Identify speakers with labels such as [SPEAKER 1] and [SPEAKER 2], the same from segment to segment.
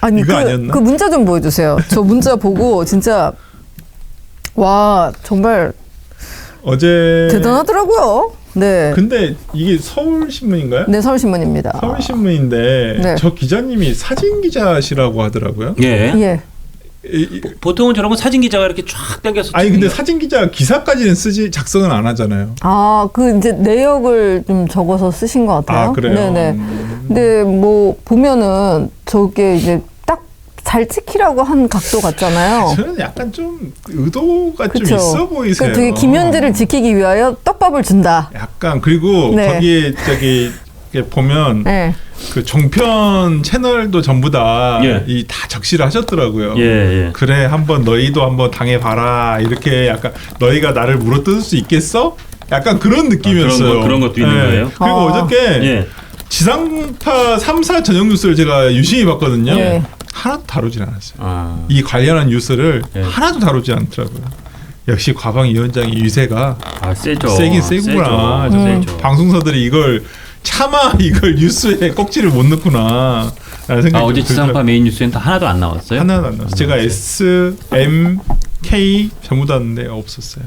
[SPEAKER 1] 아니
[SPEAKER 2] 이거 아니었나?
[SPEAKER 1] 그 문자 좀 보여주세요. 저 문자 보고 진짜 와 정말
[SPEAKER 2] 어제
[SPEAKER 1] 대단하더라고요. 네.
[SPEAKER 2] 근데 이게 서울신문인가요?
[SPEAKER 1] 네, 서울신문입니다.
[SPEAKER 2] 서울신문인데
[SPEAKER 1] 네.
[SPEAKER 2] 저 기자님이 사진 기자시라고 하더라고요.
[SPEAKER 3] 예.
[SPEAKER 1] 예.
[SPEAKER 3] 보통은 저런 건 사진 기자가 이렇게 쫙 당겨서
[SPEAKER 2] 아니 근데 사진 기자 기사까지는 작성은 안 하잖아요.
[SPEAKER 1] 아, 그 이제 내역을 좀 적어서 쓰신 것 같아요.
[SPEAKER 2] 아 그래요?
[SPEAKER 1] 네네. 근데 뭐 보면은 저게 이제 딱 잘 찍히라고 한 각도 같잖아요.
[SPEAKER 2] 저는 약간 좀 의도가
[SPEAKER 1] 그쵸?
[SPEAKER 2] 좀 있어 보이세요.
[SPEAKER 1] 그러니까 되게 김현재를 지키기 위하여 떡밥을 준다.
[SPEAKER 2] 약간 그리고
[SPEAKER 1] 네.
[SPEAKER 2] 거기에 저기 이렇게 보면
[SPEAKER 1] 네.
[SPEAKER 2] 그 종편 채널도 전부 다
[SPEAKER 3] 예.
[SPEAKER 2] 이 다 적시를 하셨더라고요.
[SPEAKER 3] 예, 예.
[SPEAKER 2] 그래 한번 너희도 한번 당해봐라 이렇게 약간 너희가 나를 물어뜯을 수 있겠어? 약간 그런 느낌이었어요.
[SPEAKER 3] 그런 것도 있는 거예요?
[SPEAKER 2] 그리고
[SPEAKER 1] 아.
[SPEAKER 2] 어저께
[SPEAKER 3] 예.
[SPEAKER 2] 지상파 3사 전용 뉴스를 제가 유심히 봤거든요.
[SPEAKER 1] 예.
[SPEAKER 2] 하나도 다루질 않았어요.
[SPEAKER 3] 아.
[SPEAKER 2] 이 관련한 뉴스를
[SPEAKER 3] 예.
[SPEAKER 2] 하나도 다루지 않더라고요. 역시 과방위원장의 유세가
[SPEAKER 3] 아, 세죠.
[SPEAKER 2] 세긴 세구나.
[SPEAKER 3] 세죠.
[SPEAKER 2] 방송사들이 이걸 차마 이걸 뉴스에 꼭지를 못 넣구나 라는 생각이
[SPEAKER 3] 어제
[SPEAKER 2] 좀
[SPEAKER 3] 지상파
[SPEAKER 2] 들더라고요.
[SPEAKER 3] 메인 뉴스엔 다 하나도 안 나왔어요?
[SPEAKER 2] 하나도 안 나왔어요. 제가 S, M, K 전부 다 왔는데 없었어요.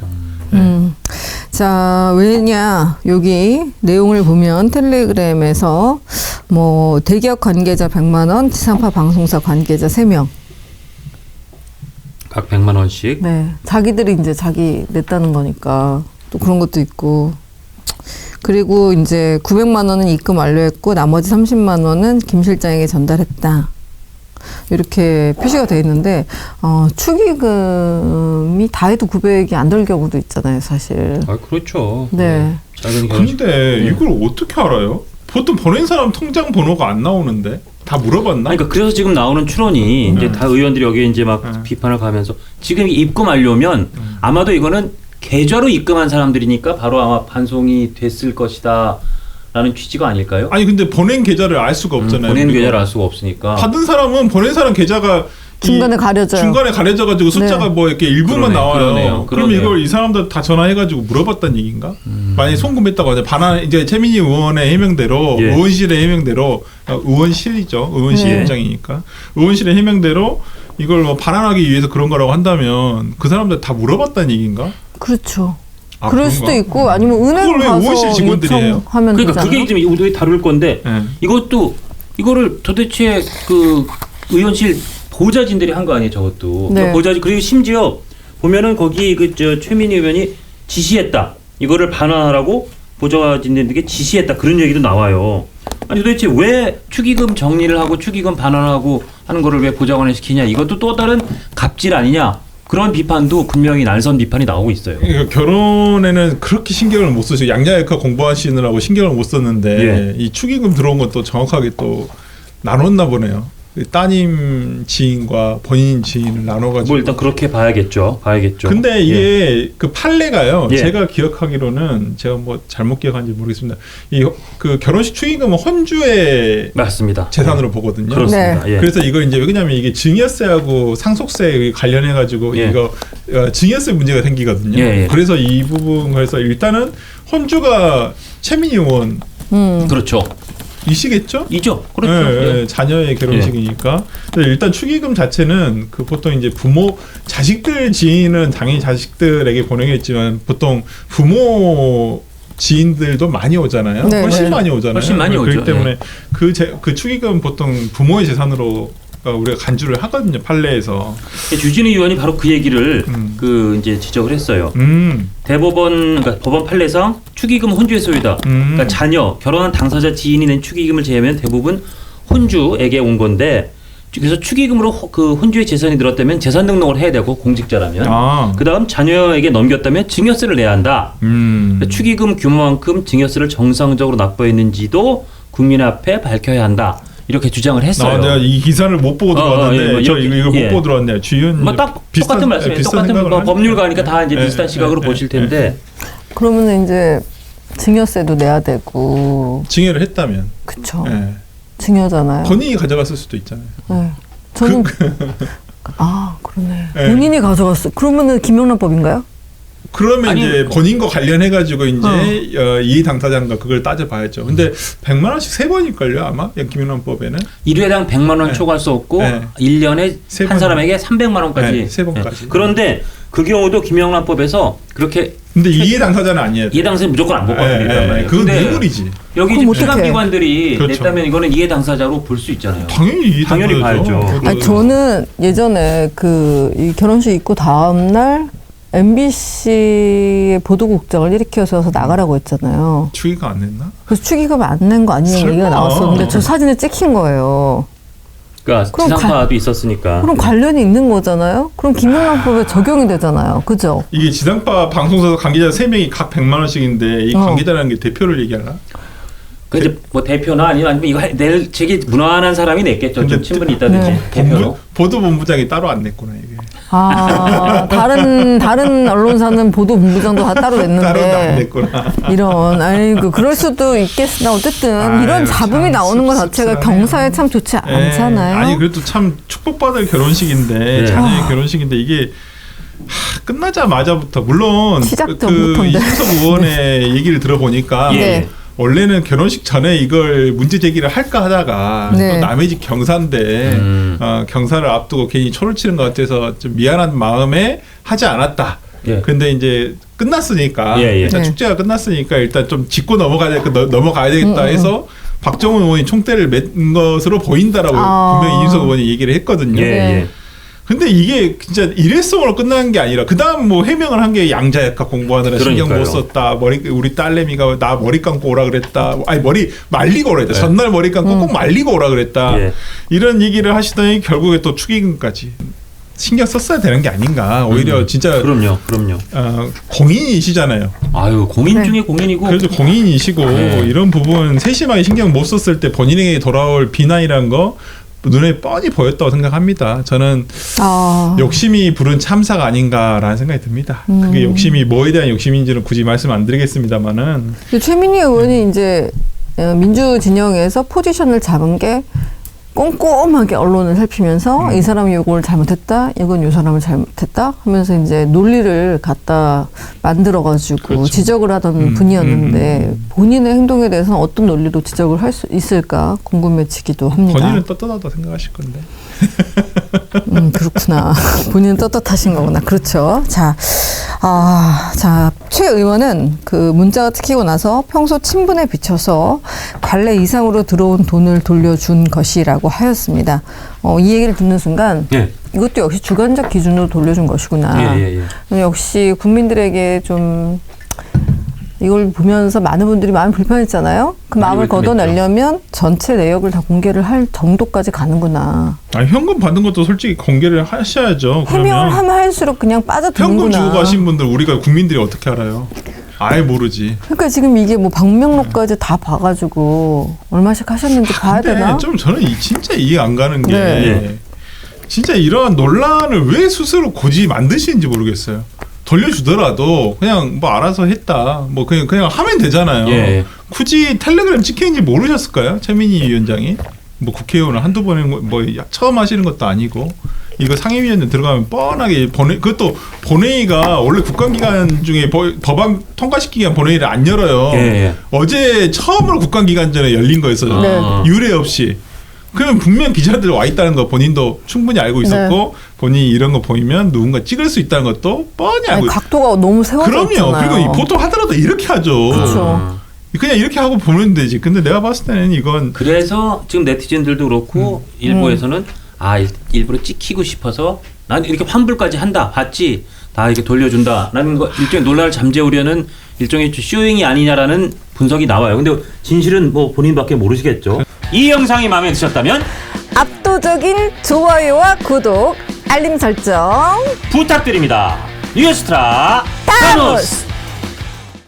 [SPEAKER 1] 자, 왜냐, 여기 내용을 보면 텔레그램에서 뭐 대기업 관계자 100만 원, 지상파 방송사 관계자 3명.
[SPEAKER 3] 각 100만 원씩.
[SPEAKER 1] 네. 자기들이 이제 자기 냈다는 거니까 또 그런 것도 있고. 그리고 이제 900만 원은 입금 완료했고 나머지 30만 원은 김 실장에게 전달했다. 이렇게 표시가 돼 있는데 축의금이 다 해도 900이 안 될 경우도 있잖아요, 사실.
[SPEAKER 3] 아, 그렇죠.
[SPEAKER 1] 네.
[SPEAKER 3] 작은 결혼식.
[SPEAKER 2] 근데 이걸 어떻게 알아요? 보통 보낸 사람 통장 번호가 안 나오는데 다 물어봤나?
[SPEAKER 3] 아니, 그러니까 그래서 지금 나오는 추론이 이제 다 의원들이 여기에 이제 막 비판을 가면서 지금 입금 완료면 아마도 이거는 계좌로 입금한 사람들이니까 바로 아마 반송이 됐을 것이다 라는 취지가 아닐까요?
[SPEAKER 2] 아니 근데 보낸 계좌를 알 수가 없잖아요.
[SPEAKER 3] 보낸
[SPEAKER 2] 우리가.
[SPEAKER 3] 계좌를 알 수가 없으니까.
[SPEAKER 2] 받은 사람은 보낸 사람 계좌가
[SPEAKER 1] 중간에 가려져요.
[SPEAKER 2] 중간에 가려져가지고 숫자가
[SPEAKER 1] 네.
[SPEAKER 2] 뭐 이렇게 일부만
[SPEAKER 3] 그러네,
[SPEAKER 2] 나와요. 그럼
[SPEAKER 3] 그러네요.
[SPEAKER 2] 이걸 이 사람들 다 전화해가지고 물어봤다는 얘기인가? 만약에 송금했다고 하자. 반환 이제 최민희 의원의 해명대로
[SPEAKER 3] 예.
[SPEAKER 2] 의원실의 해명대로 의원실이죠. 의원실
[SPEAKER 3] 예.
[SPEAKER 2] 입장이니까 의원실의 해명대로 이걸 뭐 반환하기 위해서 그런 거라고 한다면 그 사람들 다 물어봤다는 얘기인가?
[SPEAKER 1] 그렇죠.
[SPEAKER 2] 아,
[SPEAKER 1] 그럴
[SPEAKER 2] 그런가?
[SPEAKER 1] 수도 있고 아니면 은행
[SPEAKER 2] 그걸 왜
[SPEAKER 1] 가서
[SPEAKER 2] 의원실 직원들이에요?
[SPEAKER 1] 요청하면
[SPEAKER 3] 그러니까
[SPEAKER 1] 되잖아요.
[SPEAKER 3] 그게 지금 우리 다룰 건데
[SPEAKER 2] 예.
[SPEAKER 3] 이거를 도대체 그 의원실 보좌진들이 한 거 아니에요, 저것도.
[SPEAKER 1] 네.
[SPEAKER 3] 보좌진 그리고 심지어 보면은 거기 그 저 최민희 의원이 지시했다. 이거를 반환하라고 보좌진들에게 지시했다. 그런 얘기도 나와요. 아니 도대체 왜 축의금 정리를 하고 축의금 반환하고 하는 거를 왜 보좌관에 시키냐? 이것도 또 다른 갑질 아니냐? 그런 비판도 분명히 날선 비판이 나오고 있어요.
[SPEAKER 2] 그러니까 결혼에는 그렇게 신경을 못 쓰시고 양자역학 공부하시느라고 신경을 못 썼는데
[SPEAKER 3] 예.
[SPEAKER 2] 이 축의금 들어온 건 또 정확하게 또 나눴나 보네요. 따님 지인과 본인 지인을 나눠가지고.
[SPEAKER 3] 뭐 일단 그렇게 봐야겠죠.
[SPEAKER 2] 근데 이게 그 판례가요.
[SPEAKER 3] 예.
[SPEAKER 2] 제가 기억하기로는 제가 뭐 잘못 기억한지 모르겠습니다. 이 그 결혼식 축의금은 혼주의
[SPEAKER 3] 맞습니다.
[SPEAKER 2] 재산으로 보거든요.
[SPEAKER 3] 그렇습니다. 예.
[SPEAKER 2] 그래서 이걸 이제 왜냐면 이게 증여세하고 상속세 관련해 가지고
[SPEAKER 3] 예.
[SPEAKER 2] 이거 증여세 문제가 생기거든요.
[SPEAKER 3] 예, 예.
[SPEAKER 2] 그래서 이 부분 그래서 일단은 혼주가 최민희 의원
[SPEAKER 3] 그렇죠.
[SPEAKER 2] 이시겠죠?
[SPEAKER 3] 이죠. 그렇죠.
[SPEAKER 2] 예,
[SPEAKER 3] 예.
[SPEAKER 2] 자녀의 결혼식이니까. 그래서 일단 축의금 자체는 그 보통 이제 부모 자식들 지인은 당연히 자식들에게 보내겠지만 보통 부모 지인들도 많이 오잖아요.
[SPEAKER 1] 네,
[SPEAKER 2] 훨씬
[SPEAKER 1] 네.
[SPEAKER 2] 많이 오잖아요.
[SPEAKER 3] 훨씬 많이
[SPEAKER 2] 그렇기
[SPEAKER 3] 오죠.
[SPEAKER 2] 때문에 그 축의금 보통 부모의 재산으로 우리가 간주를 하거든요. 판례에서.
[SPEAKER 3] 주진우 의원이 바로 그 얘기를 그 이제 지적을 했어요. 대법원 그러니까 법원 판례상 축의금 혼주의 소유다. 그러니까 자녀 결혼한 당사자 지인이 낸 축의금을 제외하면 대부분 혼주에게 온 건데 그래서 축의금으로 그 혼주의 재산이 늘었다면 재산 등록을 해야 되고 공직자라면 그다음 자녀에게 넘겼다면 증여세를 내야 한다. 그러니까 축의금 규모만큼 증여세를 정상적으로 납부했는지도 국민 앞에 밝혀야 한다. 이렇게 주장을 했어요.
[SPEAKER 2] 내가 이 기사를 못 보고 들어왔는데 저 이거
[SPEAKER 3] 예.
[SPEAKER 2] 못 보고 들어왔네요. 주윤
[SPEAKER 3] 딱 똑같은 말씀이에요. 똑같은 법률가니까 다 이제 비슷한 시각으로 보실 텐데.
[SPEAKER 1] 그러면 이제 증여세도 내야 되고.
[SPEAKER 2] 증여를 했다면.
[SPEAKER 1] 그쵸.
[SPEAKER 2] 예.
[SPEAKER 1] 증여잖아요.
[SPEAKER 2] 본인이 가져갔을 수도 있잖아요.
[SPEAKER 1] 네. 저는 그러네.
[SPEAKER 2] 예.
[SPEAKER 1] 본인이 가져갔어. 그러면은 김영란법인가요?
[SPEAKER 2] 그러면
[SPEAKER 3] 아니,
[SPEAKER 2] 이제 본인과 관련해가지고 이제 이해 당사자인가 그걸 따져봐야죠. 근데 100만 원씩 3번일걸요 아마 김영란법에는
[SPEAKER 3] 1회당 100만 원
[SPEAKER 2] 네.
[SPEAKER 3] 초과할 수 없고
[SPEAKER 2] 네.
[SPEAKER 3] 1년에
[SPEAKER 2] 세
[SPEAKER 3] 한
[SPEAKER 2] 번.
[SPEAKER 3] 사람에게 300만 원까지.
[SPEAKER 2] 네, 3번까지.
[SPEAKER 3] 그런데 그 경우도 김영란법에서 그렇게
[SPEAKER 2] 근데 이해 당사자는 아니에요.
[SPEAKER 3] 이해 당사자 무조건 안 받거든요.
[SPEAKER 2] 네, 그건 뇌물이지.
[SPEAKER 3] 여기
[SPEAKER 1] 그럼
[SPEAKER 3] 지금
[SPEAKER 1] 어떡해.
[SPEAKER 3] 기관들이
[SPEAKER 2] 그렇죠.
[SPEAKER 3] 냈다면 이거는 이해 당사자로 볼 수 있잖아요.
[SPEAKER 2] 당연히 이해
[SPEAKER 3] 당연히
[SPEAKER 2] 당사자죠.
[SPEAKER 3] 봐야죠.
[SPEAKER 1] 아니, 저는 예전에 이 결혼식 있고 다음날 MBC의 보도국장을 일으켜서 나가라고 했잖아요.
[SPEAKER 2] 추기가 안 냈나?
[SPEAKER 1] 그래서 축의금 안 낸 거 아니냐는
[SPEAKER 2] 설마.
[SPEAKER 1] 얘기가 나왔었는데 저 사진에 찍힌 거예요.
[SPEAKER 3] 그러니까
[SPEAKER 1] 그럼
[SPEAKER 3] 지상파도 있었으니까.
[SPEAKER 1] 그럼 관련이 있는 거잖아요. 그럼 김영란법에 적용이 되잖아요. 그죠?
[SPEAKER 2] 이게 지상파 방송사 관계자 3명이 각 100만 원씩인데 이 관계자라는 게 대표를 얘기하나?
[SPEAKER 3] 그 이제 뭐 대표나 아니면 이거 낼 책이 무난한 사람이 냈겠죠. 좀
[SPEAKER 2] 근데
[SPEAKER 3] 친분이 있다든지
[SPEAKER 1] 네.
[SPEAKER 3] 대표로.
[SPEAKER 2] 보도본부장이 따로 안 냈구나 이게.
[SPEAKER 1] 아, 다른 언론사는 보도본부장도 다 따로
[SPEAKER 2] 따로 안
[SPEAKER 1] 냈는데
[SPEAKER 2] 냈구나.
[SPEAKER 1] 이런 아이고 그럴 수도 있겠으나 어쨌든
[SPEAKER 2] 아유,
[SPEAKER 1] 이런 잡음이
[SPEAKER 2] 참
[SPEAKER 1] 나오는 것 자체가
[SPEAKER 2] 씁쓸하네요.
[SPEAKER 1] 경사에 참 좋지 않잖아요.
[SPEAKER 2] 아니 그래도 참 축복받을 결혼식인데
[SPEAKER 3] 네.
[SPEAKER 2] 자녀의 결혼식인데 이게 끝나자마자부터 물론
[SPEAKER 1] 시작
[SPEAKER 2] 그
[SPEAKER 1] 전부터인데.
[SPEAKER 2] 이준석 의원의 얘기를 들어보니까
[SPEAKER 1] 네.
[SPEAKER 2] 원래는 결혼식 전에 이걸 문제 제기를 할까 하다가
[SPEAKER 1] 네.
[SPEAKER 2] 또 남의 집 경사인데 경사를 앞두고 괜히 초를 치는 것 같아서 좀 미안한 마음에 하지 않았다.
[SPEAKER 3] 예.
[SPEAKER 2] 근데 이제 끝났으니까 일단
[SPEAKER 1] 네.
[SPEAKER 2] 축제가 끝났으니까 일단 좀 짚고 넘어가야 되겠다 해서 박정훈 의원이 총대를 맨 것으로 보인다라고 분명히 이준석 의원이 얘기를 했거든요.
[SPEAKER 3] 예, 예.
[SPEAKER 2] 근데 이게 진짜 일회성으로 끝나는 게 아니라 그다음 뭐 해명을 한 게 양자역학 공부하느라 신경 못
[SPEAKER 3] 그러니까요.
[SPEAKER 2] 썼다. 우리 딸내미가 나 머리 감고 오라 그랬다. 아니 머리 말리고 오라 그랬다. 전날 머리 감고 꼭 말리고 오라 그랬다.
[SPEAKER 3] 예.
[SPEAKER 2] 이런 얘기를 하시더니 결국에 또 축의금까지 신경 썼어야 되는 게 아닌가. 오히려 진짜
[SPEAKER 3] 그럼요.
[SPEAKER 2] 공인이시잖아요.
[SPEAKER 3] 아유 공인
[SPEAKER 1] 네.
[SPEAKER 3] 중에 공인이고.
[SPEAKER 2] 그래도 공인이시고
[SPEAKER 3] 네.
[SPEAKER 2] 이런 부분 세심하게 신경 못 썼을 때 본인에게 돌아올 비난이란 거 눈에 뻔히 보였다고 생각합니다. 저는 욕심이 부른 참사가 아닌가라는 생각이 듭니다. 그게 욕심이 뭐에 대한 욕심인지는 굳이 말씀 안 드리겠습니다만은
[SPEAKER 1] 최민희 의원이 이제 민주 진영에서 포지션을 잡은 게 꼼꼼하게 언론을 살피면서 이 사람이 요걸 잘못했다, 이건 요 사람을 잘못했다 하면서 이제 논리를 갖다 만들어가지고
[SPEAKER 2] 그렇죠.
[SPEAKER 1] 지적을 하던 분이었는데 본인의 행동에 대해서는 어떤 논리로 지적을 할 수 있을까 궁금해지기도 합니다.
[SPEAKER 2] 본인은 떳떳하다 생각하실 건데.
[SPEAKER 1] 그렇구나. 본인은 떳떳하신 거구나. 그렇죠. 자, 최 의원은 그 문자가 찍히고 나서 평소 친분에 비춰서 관례 이상으로 들어온 돈을 돌려준 것이라고 하였습니다. 이 얘기를 듣는 순간
[SPEAKER 3] 예.
[SPEAKER 1] 이것도 역시 주관적 기준으로 돌려준 것이구나.
[SPEAKER 3] 예.
[SPEAKER 1] 역시 국민들에게 좀 이걸 보면서 많은 분들이 마음이 불편했잖아요. 그 마음을 걷어내려면 전체 내역을 다 공개를 할 정도까지 가는구나.
[SPEAKER 2] 아니 현금 받는 것도 솔직히 공개를 하셔야죠.
[SPEAKER 1] 해명을
[SPEAKER 2] 그러면
[SPEAKER 1] 하면 할수록 그냥 빠져드는구나.
[SPEAKER 2] 현금 주고 가신 분들 우리가 국민들이 어떻게 알아요? 아예 모르지.
[SPEAKER 1] 그러니까 지금 이게 뭐 방명록까지 다 봐가지고 얼마씩 하셨는지 봐야
[SPEAKER 2] 근데
[SPEAKER 1] 되나?
[SPEAKER 2] 좀 저는 진짜 이해 안 가는 게
[SPEAKER 1] 네.
[SPEAKER 2] 진짜 이러한 논란을 왜 스스로 굳이 만드시는지 모르겠어요. 돌려주더라도 그냥 뭐 알아서 했다. 뭐 그냥 하면 되잖아요.
[SPEAKER 3] 예.
[SPEAKER 2] 굳이 텔레그램 찍히는지 모르셨을까요? 최민희 위원장이 뭐 국회의원을 한두 번에 뭐 처음 하시는 것도 아니고 이거 상임위원회 들어가면 뻔하게 그것도 본회의가 원래 국감기간 중에 법안 통과시키기 위한 본회의를 안 열어요.
[SPEAKER 3] 예.
[SPEAKER 2] 어제 처음으로 국감기간 전에 열린 거였어요.
[SPEAKER 1] 네.
[SPEAKER 2] 유례 없이. 그러면 분명 기자들 와 있다는 거 본인도 충분히 알고 있었고
[SPEAKER 1] 네.
[SPEAKER 2] 본인이 이런 거 보이면 누군가 찍을 수 있다는 것도 뻔히 알고 있어요.
[SPEAKER 1] 각도가 너무 세워져
[SPEAKER 2] 그럼요.
[SPEAKER 1] 있잖아요.
[SPEAKER 2] 그리고 보통 하더라도 이렇게 하죠.
[SPEAKER 1] 그렇죠.
[SPEAKER 2] 그냥 이렇게 하고 보면 되지. 근데 내가 봤을 때는 이건
[SPEAKER 3] 그래서 지금 네티즌들도 그렇고 일부에서는 일부러 찍히고 싶어서 난 이렇게 환불까지 한다. 봤지? 다 이렇게 돌려준다라는 거 일종의 논란을 잠재우려는 일종의 쇼잉이 아니냐라는 분석이 나와요. 근데 진실은 뭐 본인밖에 모르시겠죠. 이 영상이 마음에 드셨다면
[SPEAKER 1] 압도적인 좋아요와 구독, 알림 설정
[SPEAKER 3] 부탁드립니다. 뉴스트라 타노스.